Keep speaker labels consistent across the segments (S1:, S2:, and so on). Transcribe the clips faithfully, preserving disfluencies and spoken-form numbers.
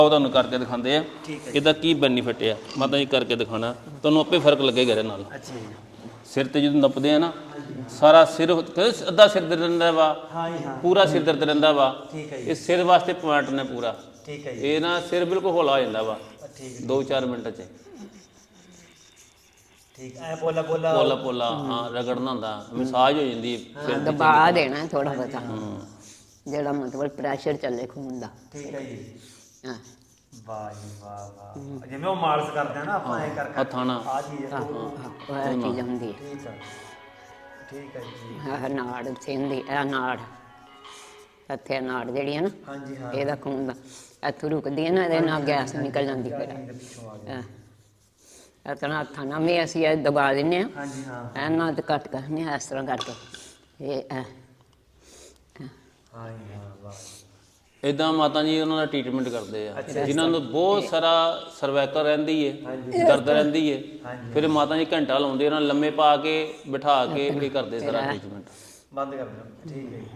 S1: ਉਹ ਤੁਹਾਨੂੰ ਕਰਕੇ ਦਿਖਾਉਂਦੇ ਆ ਇਹਦਾ ਕੀ ਬੈਨੀਫਿਟ ਆ। ਮੈਂ ਤਾਂ ਇਹ ਕਰਕੇ ਦਿਖਾਣਾ, ਤੁਹਾਨੂੰ ਆਪੇ ਫਰਕ ਲੱਗੇਗਾ ਇਹਦੇ ਨਾਲ।
S2: ਅੱਛਾ ਜੀ।
S1: ਸਿਰ ਤੇ ਜਦੋਂ ਨੱਪਦੇ ਆ ਨਾ, ਸਾਰਾ ਸਿਰ ਅੱਧਾ ਸਿਰ ਦਰਦ ਰਹਿੰਦਾ ਵਾ, ਪੂਰਾ ਸਿਰ ਦਰਦ ਰਹਿੰਦਾ ਵਾ। ਇਹ ਸਿਰ ਵਾਸਤੇ ਪੁਆਇੰਟ ਨੇ ਪੂਰਾ।
S2: ਠੀਕ ਹੈ ਜੀ।
S1: ਇਹ ਨਾ ਸਿਰ ਬਿਲਕੁਲ ਹੌਲਾ ਹੋ ਜਾਂਦਾ ਵਾ ਦੋ ਚਾਰ ਮਿੰਟ 'ਚ।
S2: ਠੀਕ ਐ ਪੋਲਾ ਪੋਲਾ
S1: ਪੋਲਾ ਪੋਲਾ ਹਾਂ ਰਗੜਨਾ ਹੁੰਦਾ, ਮਸਾਜ ਹੋ ਜਾਂਦੀ ਸਿਰ ਦੀ।
S3: ਦਬਾ ਦੇਣਾ ਥੋੜਾ ਬਹੁਤਾ, ਜਿਹੜਾ ਮਤਲਬ ਪ੍ਰੈਸ਼ਰ ਚੱਲੇ ਖੂਨ ਦਾ।
S2: ਠੀਕ ਹੈ ਜੀ।
S3: ਹਾਂ
S2: ਵਾਹ ਜੀ ਵਾਹ ਵਾਹ। ਜਿਵੇਂ ਉਹ ਮਾਲਸ਼ ਕਰਦੇ ਆ ਨਾ ਆਪਾਂ ਐ ਕਰ ਕਰ
S1: ਹੱਥਾਂ ਨਾਲ
S2: ਆ ਚੀਜ਼
S3: ਉਹ ਇਹ ਚੀਜ਼ ਹੁੰਦੀ ਹੈ।
S2: ਠੀਕ ਹੈ ਠੀਕ ਹੈ ਜੀ।
S3: ਆਹ ਨਾੜ ਸਿੰਦੀ, ਇਹ ਨਾੜ ਇੱਥੇ ਨਾੜ ਜਿਹੜੀ ਹੈ ਨਾ,
S2: ਹਾਂਜੀ ਹਾਂ।
S3: ਇਹਦਾ ਖੂਨ ਦਾ ਇੱਥੋਂ ਰੁਕਦੀ ਹੈ ਨਾ, ਇਹਦੇ ਨਾਲ ਗੈਸ ਨਿਕਲ ਜਾਂਦੀ ਫਿਰ।
S2: ਪਿੱਛੋਂ ਆ ਗਿਆ।
S3: ਇਹ ਤਰ੍ਹਾਂ ਹੱਥਾਂ ਨਾਲ ਵੀ ਅਸੀਂ ਇਹ ਦਬਾ ਦਿੰਦੇ ਹਾਂ।
S2: ਹਾਂਜੀ ਹਾਂ।
S3: ਇਹਨਾਂ ਤੇ ਕੱਟ ਕਰਨੇ ਇਸ ਤਰ੍ਹਾਂ ਕਰਕੇ ਇਹ ਇਹ
S2: ਹਾਂ ਜੀ ਹਾਂ ਵਾਹ ਜੀ।
S1: ਇਦਾਂ ਮਾਤਾ ਜੀ ਉਹਨਾਂ ਦਾ ਟ੍ਰੀਟਮੈਂਟ ਕਰਦੇ ਆ, ਜਿਨ੍ਹਾਂ ਨੂੰ ਬਹੁਤ ਸਾਰਾ ਸਰਵਾਈਕਲ ਰਹਿੰਦੀ ਏ, ਦਰਦ ਰਹਿੰਦੀ ਏ। ਫਿਰ ਮਾਤਾ ਜੀ ਘੰਟਾ ਲਾਉਂਦੇ, ਉਹਨਾਂ ਲੰਮੇ ਪਾ ਕੇ ਬਿਠਾ ਕੇ ਇਹ ਕਰਦੇ ਸਾਰਾ ਟ੍ਰੀਟਮੈਂਟ।
S2: ਬੰਦ ਕਰ ਦਿਓ। ਠੀਕ ਹੈ ਜੀ।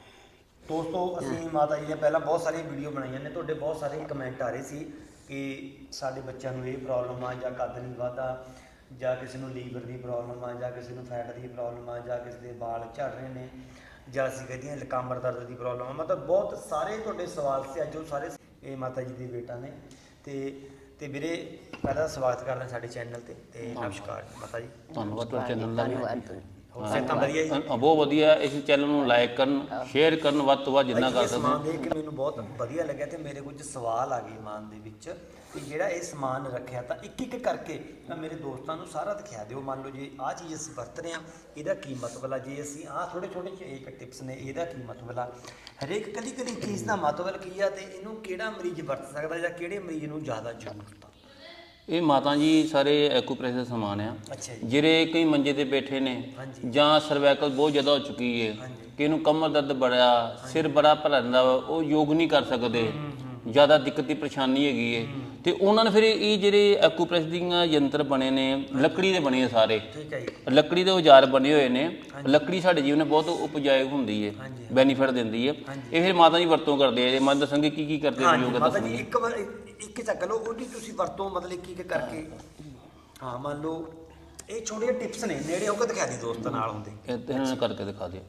S2: ਦੋਸਤੋ ਅਸੀਂ ਮਾਤਾ ਜੀ ਦੀਆਂ ਪਹਿਲਾਂ ਬਹੁਤ ਸਾਰੀਆਂ ਵੀਡੀਓ ਬਣਾਈਆਂ ਨੇ, ਤੁਹਾਡੇ ਬਹੁਤ ਸਾਰੇ ਕਮੈਂਟ ਆ ਰਹੇ ਸੀ ਕਿ ਸਾਡੇ ਬੱਚਿਆਂ ਨੂੰ ਇਹ ਪ੍ਰੋਬਲਮ ਆ, ਜਾਂ ਕੱਦ ਨਹੀਂ ਵੱਧਦਾ, ਜਾਂ ਕਿਸੇ ਨੂੰ ਲੀਵਰ ਦੀ ਪ੍ਰੋਬਲਮ ਆ, ਜਾਂ ਕਿਸੇ ਨੂੰ ਫੈਟ ਦੀ ਪ੍ਰੋਬਲਮ ਆ, ਜਾਂ ਕਿਸੇ ਦੇ ਵਾਲ ਝੜ ਰਹੇ ਨੇ, ਜਾਂ ਅਸੀਂ ਕਹਿੰਦੇ ਹਾਂ ਕਮਰ ਦਰਦ ਦੀ ਪ੍ਰੋਬਲਮ ਆ। ਮਤਲਬ ਬਹੁਤ ਸਾਰੇ ਤੁਹਾਡੇ ਸਵਾਲ ਸੀ ਅੱਜ। ਉਹ ਸਾਰੇ ਇਹ ਮਾਤਾ ਜੀ ਦੇ ਬੇਟਾ ਨੇ। ਤੇ ਤੇ ਵੀਰੇ ਪਹਿਲਾਂ ਸਵਾਗਤ ਕਰਦੇ ਸਾਡੇ ਚੈਨਲ ਤੇ ਤੇ ਨਮਸਕਾਰ ਮਾਤਾ ਜੀ।
S1: ਧੰਨਵਾਦ ਤੁਹਾਡੇ ਚੈਨਲ ਦਾ।
S3: ਧੰਨਵਾਦ।
S2: ਸਿਹਤਾਂ ਵਧੀਆ ਜੀ?
S1: ਬਹੁਤ ਵਧੀਆ। ਇਸ ਚੈਨਲ ਨੂੰ ਲਾਈਕ ਕਰਨ, ਸ਼ੇਅਰ ਕਰਨ, ਵੱਧ ਤੋਂ ਵੱਧ ਜਿੰਨਾ ਕਰ ਸਕਦੇ।
S2: ਸਮਾਨ ਦੇਖ ਕੇ ਮੈਨੂੰ ਬਹੁਤ ਵਧੀਆ ਲੱਗਿਆ ਤੇ ਮੇਰੇ ਕੁਝ ਸਵਾਲ ਆ ਗਏ ਮਨ ਦੇ ਵਿੱਚ ਕਿ ਜਿਹੜਾ ਇਹ ਸਮਾਨ ਰੱਖਿਆ ਤਾਂ ਇੱਕ ਇੱਕ ਕਰਕੇ ਤਾਂ ਮੇਰੇ ਦੋਸਤਾਂ ਨੂੰ ਸਾਰਾ ਦਿਖਾ ਦਿਓ। ਮੰਨ ਲਓ ਜੇ ਆਹ ਚੀਜ਼ ਅਸੀਂ ਵਰਤ ਰਹੇ ਹਾਂ, ਇਹਦਾ ਕੀ ਮਤਲਬ ਆ? ਜੇ ਅਸੀਂ ਆਹ ਛੋਟੇ ਛੋਟੇ ਇੱਕ ਟਿਪਸ ਨੇ, ਇਹਦਾ ਕੀ ਮਤਲਬ ਆ? ਹਰੇਕ ਕੱਲੀ ਕੱਲੀ ਚੀਜ਼ ਦਾ ਮਤਲਬ ਕੀ ਆ, ਤੇ ਇਹਨੂੰ ਕਿਹੜਾ ਮਰੀਜ਼ ਵਰਤ ਸਕਦਾ ਜਾਂ ਕਿਹੜੇ ਮਰੀਜ਼ ਨੂੰ ਜ਼ਿਆਦਾ ਜ਼ਰੂਰਤ ਆ?
S1: ਇਹ ਮਾਤਾ ਜੀ ਸਾਰੇ ਐਕੂਪ੍ਰੈਸ਼ਰ ਦਾ ਸਮਾਨ ਆ।
S2: ਅੱਛਾ ਜੀ।
S1: ਜਿਹੜੇ ਕਈ ਮੰਜੇ ਤੇ ਬੈਠੇ ਨੇ, ਜਾਂ ਸਰਵਾਈਕਲ ਬਹੁਤ ਜ਼ਿਆਦਾ ਹੋ ਚੁੱਕੀ ਹੈ, ਕਿ ਇਹਨੂੰ ਕਮਰ ਦਰਦ ਬੜਾ, ਸਿਰ ਬੜਾ ਭਰਦਾ ਵਾ, ਉਹ ਯੋਗ ਨਹੀਂ ਕਰ ਸਕਦੇ, ਜ਼ਿਆਦਾ ਦਿੱਕਤ ਦੀ ਪਰੇਸ਼ਾਨੀ ਹੈਗੀ ਹੈ, ਤੇ ਉਹਨਾਂ ਨੇ ਫਿਰ ਇਹ ਜਿਹੜੇ ਐਕੂਪ੍ਰੈਸ਼ਰ ਦੀਆਂ ਯੰਤਰ ਬਣੇ ਨੇ, ਲੱਕੜੀ ਦੇ ਬਣੇ ਆ ਸਾਰੇ।
S2: ਠੀਕ ਹੈ ਜੀ।
S1: ਲੱਕੜੀ ਦੇ ਔਜ਼ਾਰ ਬਣੇ ਹੋਏ ਨੇ। ਲੱਕੜੀ ਸਾਡੇ ਜੀਵਨ ਨੇ ਬਹੁਤ ਉਪਜਾਊ ਹੁੰਦੀ ਹੈ, ਬੈਨੀਫਿਟ ਦਿੰਦੀ ਹੈ। ਇਹ ਫਿਰ ਮਾਤਾ ਜੀ ਵਰਤੋਂ ਕਰਦੇ ਆ। ਮੈਂ ਦੱਸਾਂਗੇ ਕੀ ਕੀ ਕਰਦੇ ਨੇ ਯੋਗਾ
S2: ਮਾਤਾ ਜੀ ਇੱਕ ਵਾਰ ਇੱਕ ਚੱਕ ਲਓ, ਉਹਦੀ ਤੁਸੀਂ ਵਰਤੋਂ ਮਤਲਬ ਇੱਕ ਇੱਕ ਕਰਕੇ। ਹਾਂ ਮੰਨ ਲਓ ਇਹ ਛੋਟੀਆਂ ਟਿਪਸ ਨੇ, ਨੇੜੇ ਹੋ ਕੇ ਦਿਖਾ ਦੇ ਦੋਸਤਾਂ ਨਾਲ ਹੁੰਦੇ।
S1: ਇਹਨਾਂ ਨੇ ਕਰਕੇ ਦਿਖਾ ਦਿਓ।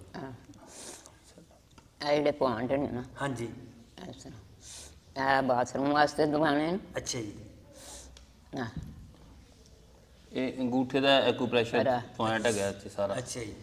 S3: ਇਹ ਜਿਹੜੇ ਪੁਆਇੰਟ ਨੇ ਨਾ,
S2: ਹਾਂਜੀ
S3: ਇਸ ਤਰ੍ਹਾਂ ਇਹ ਬਾਥਰੂਮ ਵਾਸਤੇ ਦਵਾਣੇ ਨੇ।
S2: ਅੱਛਾ ਜੀ।
S3: ਹਾਂ
S1: ਇਹ ਅੰਗੂਠੇ ਦਾ ਐਕੂਪ੍ਰੈਸ਼ਰ ਪੁਆਇੰਟ ਹੈਗਾ ਇੱਥੇ ਸਾਰਾ।
S2: ਅੱਛਾ ਜੀ।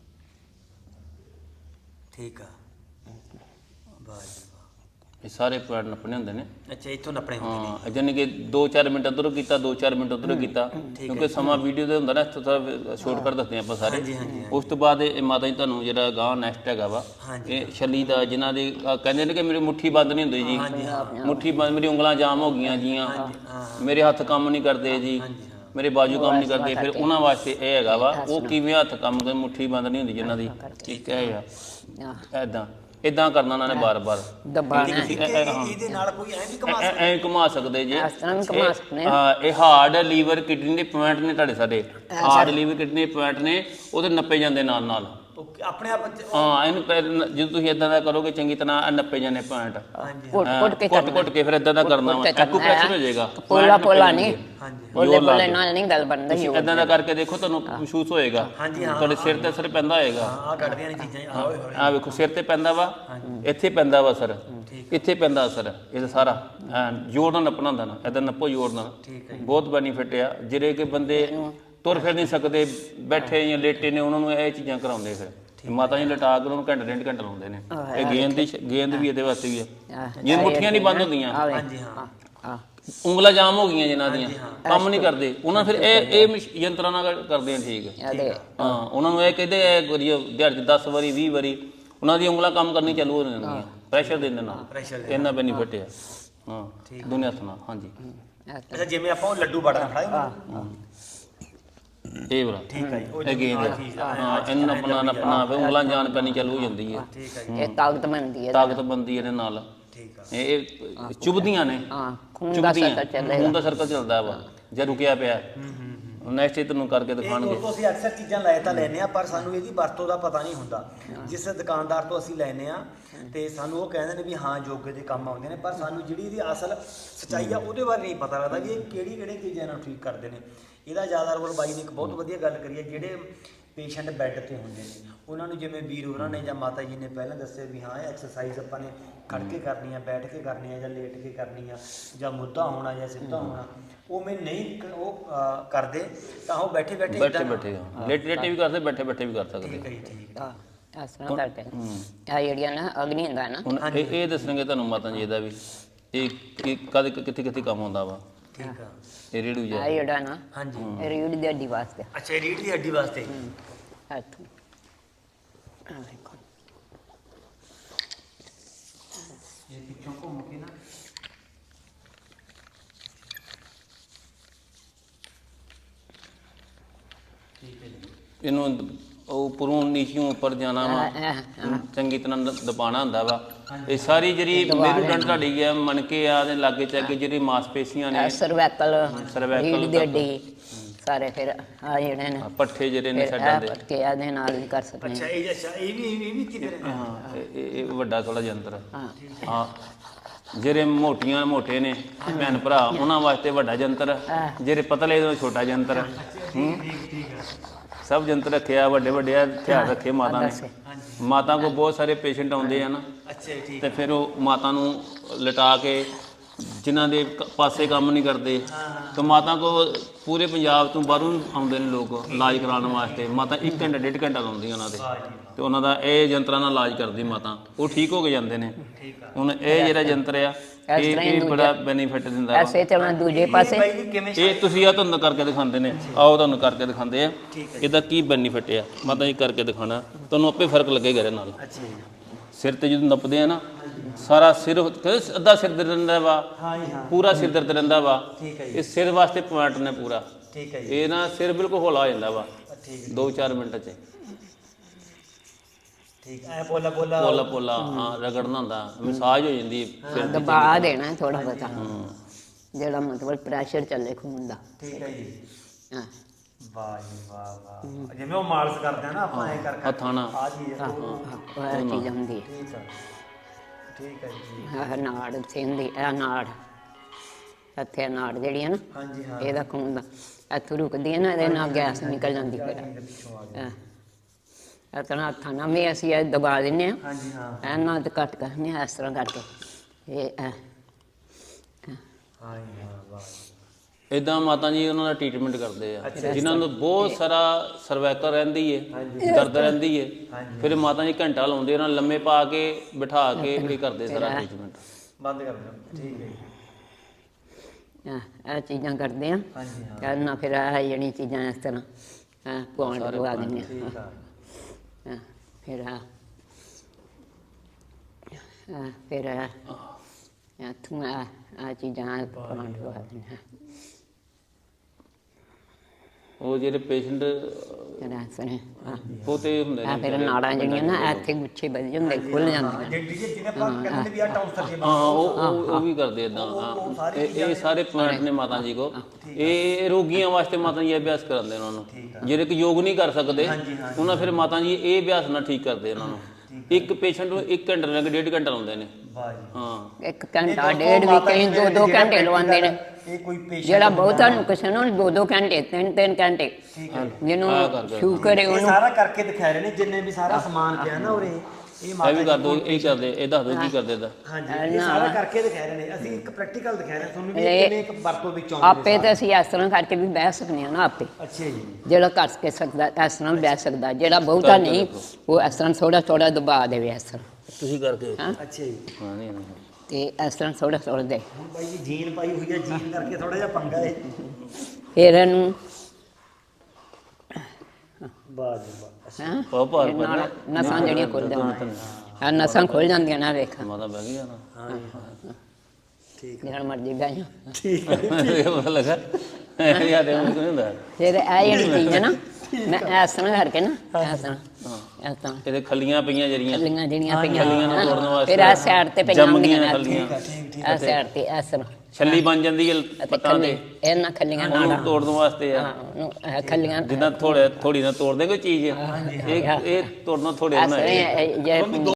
S2: ਠੀਕ ਆ। ਵਾਹ ਜੀ ਵਾਹ।
S1: ਇਹ ਸਾਰੇ ਪੁਆਇੰਟ ਨੱਪਣੇ ਹੁੰਦੇ ਨੇ।
S2: ਅੱਛਾ ਇੱਥੋਂ ਨੱਪਣੇ ਹੁੰਦੇ ਨੇ।
S1: ਹਾਂ ਜਾਨੀ ਕਿ ਦੋ ਚਾਰ ਮਿੰਟ ਉੱਧਰੋਂ ਕੀਤਾ, ਦੋ ਚਾਰ ਮਿੰਟ ਉੱਧਰੋਂ ਕੀਤਾ, ਕਿਉਂਕਿ ਸਮਾਂ ਵੀਡੀਓ ਦੇ ਹੁੰਦਾ ਨਾ, ਇੱਥੋਂ ਸਾਰਾ ਸ਼ਾਰਟਕਟ ਦੱਸਦੇ ਆਪਾਂ ਸਾਰੇ। ਉਸ ਤੋਂ ਬਾਅਦ ਇਹ ਮਾਤਾ ਜੀ ਤੁਹਾਨੂੰ ਜਿਹੜਾ ਗਾਂ ਨੈਕਸਟ ਹੈਗਾ ਵਾ, ਇਹ ਛੱਲੀ ਦਾ, ਜਿਨ੍ਹਾਂ ਦੀ ਕਹਿੰਦੇ ਨੇ ਕਿ ਮੇਰੀ ਮੁੱਠੀ ਬੰਦ ਨਹੀਂ ਹੁੰਦੀ ਜੀ, ਮੁੱਠੀ ਬੰਦ, ਮੇਰੀ ਉਂਗਲਾਂ ਜਾਮ ਹੋ ਗਈਆਂ ਜੀਆਂ, ਮੇਰੇ ਹੱਥ ਕੰਮ ਨਹੀਂ ਕਰਦੇ ਜੀ, ਮੇਰੇ ਬਾਜੂ ਕੰਮ ਨਹੀਂ ਕਰਦੇ। ਫਿਰ ਉਹਨਾਂ ਵਾਸਤੇ ਇਹ ਹੈਗਾ ਵਾ, ਉਹ ਕਿਵੇਂ ਹੱਥ ਕੰਮ ਕਰਦੇ, ਮੁੱਠੀ ਬੰਦ ਨਹੀਂ ਹੁੰਦੀ ਜਿਨ੍ਹਾਂ ਦੀ। ਠੀਕ ਹੈ ਯਾਰ, ਇੱਦਾਂ ਇੱਦਾਂ ਕਰਨਾ ਉਹਨਾਂ ਨੇ ਬਾਰ-ਬਾਰ।
S2: ਇਹਦੇ ਨਾਲ ਕੋਈ ਐਂ ਵੀ ਘੁਮਾ ਸਕਦਾ?
S1: ਐਂ ਘੁਮਾ ਸਕਦੇ ਜੀ।
S3: ਇਸ ਤਰ੍ਹਾਂ ਵੀ ਘੁਮਾ ਸਕਦੇ
S1: ਹਾਂ ਇਹ ਹਾਰਡ, ਲੀਵਰ, ਕਿਡਨੀ ਦੇ ਪੁਆਇੰਟ ਨੇ ਤੁਹਾਡੇ ਸਾਡੇ। ਹਾਰਡ, ਲੀਵਰ, ਕਿਡਨੀ ਦੇ ਪੁਆਇੰਟ ਨੇ, ਉਹਦੇ ਨੱਪੇ ਜਾਂਦੇ ਨਾਲ ਨਾਲ।
S2: ਆਪਣੇ ਆਪ
S1: ਹਾਂ ਇਹਨੂੰ ਜਦੋਂ ਤੁਸੀਂ ਇਦਾਂ ਦਾ ਕਰੋਗੇ ਚੰਗੀ ਤਰ੍ਹਾਂ, ਨੱਪੇ ਜਾਂਦੇ ਪੁਆਇੰਟ।
S3: ਕੁੱਟ ਕੁੱਟ ਕੇ
S1: ਕੁੱਟ ਕੁੱਟ ਕੇ ਫਿਰ ਇਦਾਂ ਦਾ ਕਰਨਾ ਵਾ, ਐਕੂਪ੍ਰੈਸ਼ਰ ਹੋ ਜਾਏਗਾ।
S3: ਪੋਲਾ ਪੋਲਾ ਨਹੀਂ, ਪੋਲੇ ਪੋਲੇ ਨਾਲ ਨਹੀਂ ਗੱਲ ਬਣਦੀ।
S1: ਇਦਾਂ ਦਾ ਕਰਕੇ ਦੇਖੋ, ਤੁਹਾਨੂੰ ਮਹਿਸੂਸ ਹੋਏਗਾ, ਤੁਹਾਡੇ ਸਿਰ ਤੇ ਅਸਰ ਪੈਂਦਾ ਹੋਏਗਾ।
S2: ਆ ਕੱਢਦੀਆਂ ਨੇ ਚੀਜ਼ਾਂ।
S1: ਆ ਵੇਖੋ ਸਿਰ ਤੇ ਪੈਂਦਾ ਵਾ, ਇੱਥੇ ਪੈਂਦਾ ਵਾ ਅਸਰ, ਇੱਥੇ ਪੈਂਦਾ ਅਸਰ। ਇਹ ਸਾਰਾ ਜ਼ੋਰ ਨਾਲ ਨੱਪਣਾ ਹੁੰਦਾ ਨਾ, ਇਦਾਂ ਨੱਪੋ ਜ਼ੋਰ ਨਾਲ। ਬਹੁਤ ਬੈਨੀਫਿਟ ਆ। ਜਿਹੜੇ ਕਿ ਬੰਦੇ ਤੁਰ ਫਿਰ ਨਹੀਂ ਸਕਦੇ, ਬੈਠੇ ਜਾਂ ਲੇਟੇ ਨੇ, ਉਹਨਾਂ ਨੂੰ ਇਹ ਚੀਜ਼ਾਂ ਕਰਾਉਂਦੇ। ਫਿਰ ਮਾਤਾ ਜੀ ਲਟਾ ਕੇ ਉਹਨੂੰ ਘੰਟੇ ਡੇਢ ਘੰਟਾ ਲਾਉਂਦੇ ਨੇ। ਇਹ ਗੇਂਦ ਦੀ ਗੇਂਦ ਵੀ ਇਹਦੇ ਵਾਸਤੇ ਵੀ ਆ। ਜੇ ਮੁੱਠੀਆਂ ਨਹੀਂ ਬੰਦ ਹੁੰਦੀਆਂ,
S2: ਹਾਂਜੀ ਹਾਂ,
S1: ਉਂਗਲਾਂ ਜਾਮ ਹੋ ਗਈਆਂ ਜਿਨ੍ਹਾਂ ਦੀਆਂ, ਕੰਮ ਨਹੀਂ ਕਰਦੇ, ਉਹਨਾਂ ਫਿਰ ਇਹ ਇਹ ਯੰਤਰਾਂ ਨਾਲ ਕਰਦੇ ਆ। ਠੀਕ ਹੈ। ਹਾਂ ਉਹਨਾਂ ਨੂੰ ਇਹ ਕਹਿੰਦੇ ਦਿਹਾੜੀ ਦਸ ਵਾਰੀ ਵੀਹ ਵਾਰੀ ਉਹਨਾਂ ਦੀ ਉਂਗਲਾਂ ਕੰਮ ਕਰਨੀ ਚਾਲੂ ਹੋ ਜਾਂਦੀਆਂ, ਪ੍ਰੈਸ਼ਰ ਦੇਣ ਦੇ ਨਾਲ। ਇੰਨਾ ਬੈਨੀਫਿਟ ਆ। ਹਾਂ ਦੁਨੀਆ ਸੁਣਾ। ਹਾਂਜੀ
S2: ਅੱਛਾ ਜਿਵੇਂ ਆਪਾਂ ਉਹ ਲੱਡੂ ਬੜਾ ਫੜਾਏ
S1: ਇਹ ਵਾਲਾ।
S2: ਠੀਕ ਹੈ ਜੀ।
S1: ਇਹ ਗੇਂਦ ਹਾਂ, ਇਹਨੂੰ ਨੱਪਣਾ ਨੱਪਣਾ ਫਿਰ ਉਂਗਲਾਂ ਜਾਨ ਪੈਣੀ ਚਾਲੂ ਹੋ ਜਾਂਦੀ ਹੈ।
S3: ਇਹ ਤਾਕਤ ਬਣਦੀ ਹੈ,
S1: ਤਾਕਤ ਬਣਦੀ ਇਹਦੇ ਨਾਲ। ਇਹ ਚੁਭਦੀਆਂ ਨੇ,
S3: ਹਾਂ ਖੂਨ ਦਾ ਸਰਕਲ ਚੱਲਦਾ,
S1: ਖੂਨ ਦਾ ਸਰਕਲ ਚੱਲਦਾ ਵਾ ਜੇ ਰੁਕਿਆ ਪਿਆ। ਨੈਕਸਟ ਡੇ ਤੁਹਾਨੂੰ ਕਰਕੇ
S2: ਇਹ
S1: ਦਿਖਾਣਗੇ।
S2: ਦੋਸਤੋ ਅਸੀਂ ਅਕਸਰ ਚੀਜ਼ਾਂ ਲੈ ਤਾਂ ਲੈਨੇ ਆ ਪਰ ਸਾਨੂੰ ਇਹਦੀ ਵਰਤੋਂ ਦਾ ਪਤਾ ਨਹੀਂ ਹੁੰਦਾ। ਜਿਸ ਦੁਕਾਨਦਾਰ ਤੋਂ ਅਸੀਂ ਲੈਨੇ ਆ ਤੇ ਸਾਨੂੰ ਉਹ ਕਹਿੰਦੇ ਨੇ ਵੀ ਹਾਂ ਯੋਗੇ ਦੇ ਕੰਮ ਆਉਂਦੇ ਨੇ, ਪਰ ਸਾਨੂੰ ਜਿਹੜੀ ਇਹਦੀ ਅਸਲ ਸੱਚਾਈ ਆ ਉਹਦੇ ਬਾਰੇ ਨਹੀਂ ਪਤਾ ਲੱਗਦਾ ਵੀ ਇਹ ਕਿਹੜੀ ਕਿਹੜੀ ਚੀਜ਼ਾਂ ਨਾਲ ਠੀਕ ਕਰਦੇ ਨੇ। ਇਹਦਾ ਜ਼ਿਆਦਾ ਰੋਲ ਬਾਈ ਨੇ ਇੱਕ ਬਹੁਤ ਵਧੀਆ ਗੱਲ ਕਰੀ ਹੈ, ਜਿਹੜੇ ਪੇਸ਼ੈਂਟ ਬੈੱਡ ਤੇ ਹੁੰਦੇ ਨੇ ਉਹਨਾਂ ਨੂੰ ਜਿਵੇਂ ਵੀਰ ਹੋਰਾਂ ਨੇ ਜਾਂ ਮਾਤਾ ਜੀ ਨੇ ਪਹਿਲਾਂ ਦੱਸਿਆ ਵੀ ਹਾਂ ਐਕਸਰਸਾਈਜ਼ ਆਪਾਂ ਨੇ ਖੜ ਕੇ ਕਰਨੀ ਆ, ਬੈਠ ਕੇ ਕਰਨੀ ਆ ਜਾਂ ਲੇਟ ਕੇ ਕਰਨੀ ਆ ਜਾਂ ਮੁੱਧਾ ਹੋਣਾ ਜਾਂ ਸਿੱਧਾ ਹੋਣਾ, ਉਹ ਮੈਂ ਨਹੀਂ ਕ- ਉਹ ਅਹ, ਕਰਦੇ ਤਾਂ ਉਹ ਬੈਠੇ ਬੈਠੇ
S1: ਬੈਠੇ ਬੈਠੇ ਲੇਟ ਲੇਟੇ ਵੀ ਕਰਦੇ, ਬੈਠੇ ਬੈਠੇ ਵੀ ਕਰ ਸਕਦੇ।
S2: ਠੀਕ ਹੈ ਜੀ, ਠੀਕ ਹੈ।
S3: ਆ ਇਸ ਤਰ੍ਹਾਂ ਕਰਕੇ ਆ ਜਿਹੜੀਆਂ ਨਾ ਅਗਨੀ ਹੁੰਦਾ ਨਾ,
S1: ਹੁਣ ਇਹ ਇਹ ਦੱਸਣਗੇ ਤੁਹਾਨੂੰ ਮਾਤਾ ਜੀ ਇਹਦਾ ਵੀ ਇਹ ਕਿ ਕਦ ਕਿੱਥੇ ਕਿੱਥੇ ਕੰਮ ਆਉਂਦਾ ਵਾ
S2: ਠੀਕ ਆ।
S1: ਇਹ ਰੇੜੂ
S3: ਆ
S1: ਜਿਹਾ।
S3: ਜਿਹੜਾ ਨਾ
S2: ਹਾਂਜੀ
S3: ਇਹ ਰੀੜ ਦੀ ਹੱਡੀ ਵਾਸਤੇ
S2: ਅੱਛਾ, ਇਹ ਰੀੜ੍ਹ ਦੀ ਹੱਡੀ ਵਾਸਤੇ
S3: ਇੱਥੋਂ ਆ ਵੇਖੋ
S2: ਇਹ ਪਿੱਛੋਂ ਘੁੰਮ ਕੇ ਨਾ ਠੀਕ ਹੈ ਜੀ।
S1: ਇਹਨੂੰ ਉਹ ਉੱਪਰੋਂ ਨੀਚੋਂ ਉੱਪਰ ਜਾਣਾ ਵਾ, ਚੰਗੀ ਤਰ੍ਹਾਂ ਦ- ਦਬਾਉਣਾ ਹੁੰਦਾ ਵਾ। ਇਹ ਸਾਰੀ ਜਿਹੜੀ ਮੇਰੂਦੰਡ ਤੁਹਾਡੀ ਹੈ ਮਣਕੇ ਆ ਦੇ ਲਾਗੇ ਚਾਗੇ ਜਿਹੜੀ ਮਾਸਪੇਸ਼ੀਆਂ ਨੇ,
S3: ਸਰਵੈਕਲ
S1: cervical
S3: ਰੀੜ ਦੀ ਹੱਡੀ ਸਾਰੇ ਫਿਰ ਆ ਜਿਹੜੇ ਨੇ
S1: ਪੱਠੇ ਜਿਹੜੇ ਨੇ
S3: ਫਿਰ
S1: ਛੱਡਾਂ
S3: ਇਹ
S1: ਦੇ।
S3: ਪਟਕੇ ਆ ਦੇ ਨਾਲ ਵੀ ਕਰ ਸਕਦੇ
S2: ਅੱਛਾ, ਇਹ ਅੱਛਾ ਇਹ ਵੀ ਇਹ ਵੀ ਕਿਤੇ ਰਹਿੰਦਾ?
S1: ਹਾਂ ਇਹ- ਇਹ ਇਹ ਵੱਡਾ ਥੋੜਾ ਯੰਤਰ ਆ।
S3: ਹਾਂ
S1: ਹਾਂ ਜਿਹੜੇ ਮੋਟੀਆਂ ਮੋਟੇ ਨੇ ਭੈਣ ਭਰਾ ਉਹਨਾਂ ਵਾਸਤੇ ਵੱਡਾ ਯੰਤਰ ਆ, ਜਿਹੜੇ ਪਤਲੇ ਉਹ ਛੋਟਾ ਯੰਤਰ ਆ। ਹੂੰ,
S2: ਠੀਕ ਠੀਕ ਹੈ।
S1: ਸਭ ਯੰਤਰ ਰੱਖਿਆ, ਵੱਡੇ ਵੱਡੇ ਹਥਿਆਰ ਰੱਖੇ ਮਾਤਾ ਨੇ। ਮਾਤਾ ਕੋਲ ਬਹੁਤ ਸਾਰੇ ਪੇਸ਼ੈਂਟ ਆਉਂਦੇ ਆ ਨਾ,
S2: ਅੱਛਾ ਜੀ, ਠੀਕ
S1: ਤੇ ਫਿਰ ਉਹ ਮਾਤਾ ਨੂੰ ਲਿਟਾ ਕੇ ਜਿਨ੍ਹਾਂ ਦੇ ਕ- ਪਾਸੇ ਕੰਮ ਨਹੀਂ ਕਰਦੇ ਤੇ ਮਾਤਾ ਕੋ ਪੂਰੇ ਪੰਜਾਬ ਤੋਂ ਬਾਹਰੋਂ ਆਉਂਦੇ ਨੇ ਲੋਕ ਇਲਾਜ ਕਰਾਉਣ ਵਾਸਤੇ। ਮਾਤਾ ਇੱਕ ਘੰਟਾ ਡੇਢ ਘੰਟਾ ਲਾਉਂਦੀ ਉਹਨਾਂ ਦੇ ਤੇ ਉਹਨਾਂ ਦਾ ਇਹ ਯੰਤਰਾਂ ਨਾਲ ਇਲਾਜ ਕਰਦੀ ਮਾਤਾ, ਉਹ ਠੀਕ ਹੋ ਕੇ ਜਾਂਦੇ ਨੇ।
S2: ਠੀਕ ਆ।
S1: ਹੁਣ ਇਹ ਜਿਹੜਾ ਯੰਤਰ ਆ ਇਹ ਇਹ ਬੜਾ ਬੈਨੀਫਿਟ ਦਿੰਦਾ ਵਾ।
S3: ਐਸੇ ਤੇ ਮੈਂ ਦੂਜੇ ਪਾਸੇ
S2: ਬਾਈ ਜੀ ਕਿਵੇਂ
S1: ਇਹ ਤੁਸੀਂ ਆ ਤੁਹਾਨੂੰ ਕਰਕੇ ਦਿਖਾਉਂਦੇ ਨੇ, ਆਓ ਤੁਹਾਨੂੰ ਕਰਕੇ ਦਿਖਾਉਂਦੇ ਆ ਇਹਦਾ ਕੀ ਬੈਨੀਫਿਟ ਆ। ਮਾਤਾ ਜੀ ਕਰਕੇ ਦਿਖਾਣਾ, ਤੁਹਾਨੂੰ ਆਪੇ ਫਰਕ ਲੱਗੇਗਾ ਇਹਦੇ ਨਾਲ।
S2: ਅੱਛਾ ਜੀ।
S1: ਸਿਰ ਤੇ ਜਦੋਂ ਨੱਪਦੇ ਆ ਨਾ ਸਾਰਾ ਸਿਰ ਕਹਿੰਦੇ ਅੱਧਾ ਸਿਰ ਦਰਦ ਰਹਿੰਦਾ ਵਾ,
S2: ਹਾਂ ਜੀ, ਹਾਂ
S1: ਪੂਰਾ ਸਿਰ ਦਰਦ ਰਹਿੰਦਾ ਵਾ।
S2: ਠੀਕ ਹੈ ਜੀ,
S1: ਇਹ ਸਿਰ ਵਾਸਤੇ ਪੁਆਇੰਟ ਨੇ ਪੂਰਾ।
S2: ਠੀਕ ਹੈ ਜੀ।
S1: ਇਹ ਨਾ ਸਿਰ ਬਿਲਕੁਲ ਹੌਲਾ ਹੋ ਜਾਂਦਾ ਵਾ
S2: ਠੀਕ ਹੈ,
S1: ਦੋ ਚਾਰ ਮਿੰਟ 'ਚ।
S2: ਠੀਕ ਐ ਪੋਲਾ ਪੋਲਾ
S1: ਪੋਲਾ ਪੋਲਾ ਹਾਂ ਰਗੜਨਾ ਹੁੰਦਾ, ਮਸਾਜ ਹੋ ਜਾਂਦੀ ਸਿਰ ਦੀ।
S3: ਦਬਾ ਦੇਣਾ ਥੋੜਾ ਬਹੁਤਾ ਜਿਹੜਾ ਮਤਲਬ ਪ੍ਰੈਸ਼ਰ ਚੱਲੇ ਖੂਨ ਦਾ।
S2: ਠੀਕ ਹੈ ਜੀ।
S3: ਹਾਂ
S2: ਵਾਹ ਜੀ ਵਾਹ ਵਾਹ। ਜਿਵੇਂ ਉਹ ਮਾਲਸ਼ ਕਰਦੇ ਆ ਨਾ ਆਪਾਂ ਐ ਕਰ ਕਰ
S1: ਹੱਥਾਂ ਨਾਲ
S2: ਆ ਜੀ ਇਹ ਉਹ-
S3: ਉਹ ਇਹ ਚੀਜ਼ ਹੁੰਦੀ ਹੈ।
S2: ਠੀਕ ਆ, ਠੀਕ ਹੈ ਜੀ।
S3: ਆਹ ਨਾੜ ਸਿੰਦੀ ਇਹ ਨਾੜ ਇੱਥੇ ਨਾੜ ਜਿਹੜੀ ਹੈ ਨਾ
S2: ਹਾਂਜੀ ਹਾਂ।
S3: ਇਹਦਾ ਖੂਨ ਦਾ ਇੱਥੋਂ ਰੁਕਦੀ ਹੈ ਨਾ, ਇਹਦੇ ਨਾਲ ਗੈਸ ਨਿਕਲ ਜਾਂਦੀ ਫਿਰ।
S2: ਇਹਦੇ ਪਿੱਛੋਂ ਆ ਗਿਆ।
S3: ਇਹ ਤਰ੍ਹਾਂ ਹੱਥਾਂ ਨਾਲ ਵੀ ਅਸੀਂ ਇਹ ਦਬਾ ਦਿੰਦੇ ਹਾਂ,
S2: ਹਾਂਜੀ ਹਾਂ।
S3: ਇਹਨਾਂ ਤੇ ਕੱਟ ਕਰਨੇ ਆ ਇਸ ਤਰ੍ਹਾਂ ਕਰਕੇ। ਇਹ ਇਹ
S2: ਹਾਂ ਜੀ ਹਾਂ, ਵਾਹ ਜੀ।
S1: ਇਦਾਂ ਮਾਤਾ ਜੀ ਉਹਨਾਂ ਦਾ ਟ੍ਰੀਟਮੈਂਟ ਕਰਦੇ ਆ ਜਿਨ੍ਹਾਂ ਨੂੰ ਬਹੁਤ ਸਾਰਾ ਸਰਵਾਈਕਲ ਰਹਿੰਦੀ ਏ, ਦਰਦ ਰਹਿੰਦੀ ਏ। ਫਿਰ ਮਾਤਾ ਜੀ ਘੰਟਾ ਲਾਉਂਦੇ ਉਹਨਾਂ ਨੂੰ ਲੰਮੇ ਪਾ ਕੇ ਬਿਠਾ ਕੇ ਇਹ ਕਰਦੇ ਸਾਰਾ ਟ੍ਰੀਟਮੈਂਟ।
S2: ਬੰਦ ਕਰ ਦਿਓ। ਠੀਕ ਹੈ ਜੀ।
S3: ਇਹ ਇਹ ਚੀਜ਼ਾਂ ਕਰਦੇ ਆ।
S2: ਹਾਂਜੀ ਹਾਂ।
S3: ਕਰਨਾ ਫਿਰ ਇਹ ਜਿਹੜੀਆਂ ਚੀਜ਼ਾਂ ਇਸ ਤਰ੍ਹਾਂ ਹਾਂ ਪੁਆਇੰਟ ਲਗਾ ਦਿੰਦੇ
S2: ਠੀਕ ਆ।
S3: ਆ। ਫਿਰ ਆ ਫਿਰ ਆ ਇੱਥੋਂ ਆ ਆ ਚੀਜ਼ਾਂ ਪੁਆਇੰਟ ਲਗਾ ਦਿੰਦੇ ਆ।
S1: ਉਹ ਜਿਹੜੇ ਪੇਸ਼ੈਂਟ
S3: ਫਿਰ ਇਸ ਤਰ੍ਹਾਂ ਹਾਂ
S1: ਬਹੁਤੇ ਹੁੰਦੇ
S3: ਆ
S1: ਨੇ
S3: ਫਿਰ ਨਾੜਾਂ ਜਿਹੜੀਆਂ ਨਾ ਇੱਥੇ ਗੁੱਛੇ ਵੱਜ ਜਾਂਦੇ, ਖੁੱਲ ਜਾਂਦੀਆਂ।
S2: ਜਿਹੜੀ ਜਿਹਨੇ ਆਪਾਂ ਕਹਿੰਦੇ ਵੀ ਆ ਟੌਂਸਰ ਜੀ।
S1: ਹਾਂ ਉਹ ਉਹ ਉਹ ਵੀ ਕਰਦੇ ਇਦਾਂ। ਹਾਂ ਇਹ ਇਹ ਸਾਰੇ ਪੁਆਇੰਟ ਨੇ ਮਾਤਾ ਜੀ ਕੋ। ਇਹ ਰੋਗੀਆਂ ਵਾਸਤੇ ਮਾਤਾ ਜੀ ਇਹ ਅਭਿਆਸ ਕਰਾਉਂਦੇ ਉਹਨਾਂ ਨੂੰ, ਜਿਹੜੇ ਕਿ ਯੋਗ ਨਹੀਂ ਕਰ ਸਕਦੇ ਉਹਨਾਂ ਫਿਰ ਮਾਤਾ ਜੀ ਇਹ ਅਭਿਆਸ ਨਾਲ ਠੀਕ ਕਰਦੇ ਉਹਨਾਂ ਨੂੰ। ਇੱਕ ਪੇਸ਼ੈਂਟ ਨੂੰ ਇੱਕ ਘੰਟੇ ਲੱਗ ਡੇਢ ਘੰਟਾ ਲਾਉਂਦੇ ਨੇ।
S2: ਵਾਹ ਜੀ।
S1: ਹਾਂ
S3: ਇੱਕ ਘੰਟਾ ਡੇਢ ਵੀ ਕਈ ਦੋ ਦੋ ਘੰਟੇ ਲਵਾਉਂਦੇ ਨੇ।
S2: ਇਹ ਕੋਈ ਪੇਸ਼ੈਂਟ
S3: ਜਿਹੜਾ ਬਹੁਤਾ ਨੂੰ ਕਿਸੇ ਨੂੰ ਦੋ ਦੋ ਘੰਟੇ ਤਿੰਨ ਤਿੰਨ ਘੰਟੇ ਜਿਹਨੂੰ ਸ਼ੂਗਰ ਹੈ
S2: ਇਹ
S3: ਉਹਨੂੰ
S2: ਸਾਰਾ ਕਰਕੇ ਦਿਖਾ ਰਹੇ ਨੇ ਜਿੰਨੇ ਵੀ ਸਾਰਾ ਸਮਾਨ ਪਿਆ ਨਾ ਉਰੇ। ਇਹ
S1: ਇਹ ਵੀ ਕਰ ਦੋ, ਇਹ ਕਰਦੇ, ਇਹ ਦੱਸ ਦੋ ਕੀ ਕਰਦੇ ਇਹਦਾ।
S2: ਹਾਂਜੀ ਇਹ ਸਾਰਾ ਕਰਕੇ ਦਿਖਾ ਰਹੇ ਨੇ। ਅਸੀਂ ਇੱਕ ਪ੍ਰੈਕਟੀਕਲ ਦਿਖਾ ਰਹੇ ਹਾਂ ਤੁਹਾਨੂੰ ਵੀ ਕਿਵੇਂ ਇੱਕ ਵਰਤੋਂ ਵਿੱਚ ਆਉਂਦੇ
S3: ਆਪੇ ਤਾਂ ਅਸੀਂ ਇਸ ਤਰ੍ਹਾਂ ਕਰਕੇ ਵੀ ਬਹਿ ਸਕਦੇ ਹਾਂ ਨਾ ਆਪੇ।
S2: ਅੱਛਾ ਜੀ।
S3: ਜਿਹੜਾ ਕਰ ਕੇ ਸਕਦਾ ਇਸ ਤਰ੍ਹਾਂ ਬਹਿ ਸਕਦਾ, ਜਿਹੜਾ ਬਹੁਤਾ ਨਹੀਂ ਉਹ ਇਸ ਤਰ੍ਹਾਂ ਥੋੜਾ ਥੋੜਾ ਦਬਾ ਦੇਵੇ ਇਸ ਤਰ੍ਹਾਂ।
S1: ਤੁਸੀਂ ਕਰਕੇ
S3: ਹਾਂ
S2: ਅੱਛਾ ਜੀ।
S1: ਹਾਂ ਨਹੀਂ ਨਹੀਂ
S3: ਤੇ ਇਸ ਤਰ੍ਹਾਂ ਥੋੜਾ ਥੋੜਾ ਦੇ
S2: ਹੁਣ ਬਾਈ ਜੀ ਜੀਨ ਪਾਈ ਹੋਈ ਹੈ, ਜੀਨ ਕਰਕੇ ਥੋੜਾ ਜਿਹਾ ਪੰਗਾ ਹੈ।
S3: ਫਿਰ ਇਹਨੂੰ
S2: ਵਾਹ ਜੀ ਵਾਹ।
S3: ਹਾਂ
S1: ਪਾਓ ਭਾਰ
S3: ਇਹ ਨਾਲ
S1: ਪੈਣਾ।
S3: ਨਸਾਂ ਜਿਹੜੀਆਂ ਖੁੱਲ ਆ ਨਸਾਂ ਖੁੱਲ ਜਾਂਦੀਆਂ ਨਾ ਵੇਖ
S1: ਮਾਤਾ ਬਹਿ ਗਈ ਨਾ।
S2: ਠੀਕ
S3: ਜਿਹੜਾ ਮਰਜੀ ਬਹਿ ਜਾ।
S2: ਠੀਕ ਹੈ।
S1: ਇਹ ਪਤਾ ਲੱਗਾ ਯਾਰ ਇਹ ਨਹੀਂ ਹੁੰਦਾ।
S3: ਫਿਰ ਇਹ ਜਿਹੜੀ ਚੀਜ਼ ਹੈ ਨਾ ਮੈਂ ਇਸ ਤਰ੍ਹਾਂ ਕਰਕੇ ਨਾ ਇਸ ਤਰ੍ਹਾਂ ਇਸ ਤਰ੍ਹਾਂ
S1: ਇਹਦੇ ਖੱਲੀਆਂ ਪਈਆਂ ਜਿਹੜੀਆਂ
S3: ਖੱਲੀਆਂ ਜਿਹੜੀਆਂ ਪਈਆਂ
S1: ਖੱਲੀਆਂ ਨੂੰ ਤੋੜਨ ਵਾਸਤੇ
S3: ਫਿਰ ਇਸ ਸਾਈਡ ਤੇ ਪਈਆਂ
S1: ਜੰਮ ਗਈਆਂ
S3: ਹੁੰਦੀਆਂ
S1: ਖੱਲੀਆਂ
S2: ਠੀਕ ਠੀਕ
S3: ਇਸ ਸਾਈਡ ਤੇ ਇਸ ਤਰ੍ਹਾਂ
S1: ਛੱਲੀ ਬਣ ਜਾਂਦੀ ਹੈ
S3: ਅਤੇ
S1: ਪੱਤਾਂ ਤੇ
S3: ਇਹਨਾਂ ਖੱਲੀਆਂ ਨਾਲ
S1: ਉਹਨੂੰ ਤੋੜਨ ਵਾਸਤੇ ਆ
S3: ਹਾਂ, ਉਹਨੂੰ ਇਹ ਖੱਲੀਆਂ
S1: ਜਿੱਦਾਂ ਥੋੜੇ ਥੋੜੀ ਨਾਲ ਤੋੜਦੇ ਕੋਈ ਚੀਜ਼ ਇਹ ਇਹ ਤੋੜਨਾ ਥੋੜੇ
S3: ਇਸ
S1: ਨਾਲ
S3: ਤਰ੍ਹਾਂ ਇਹ- ਇਹ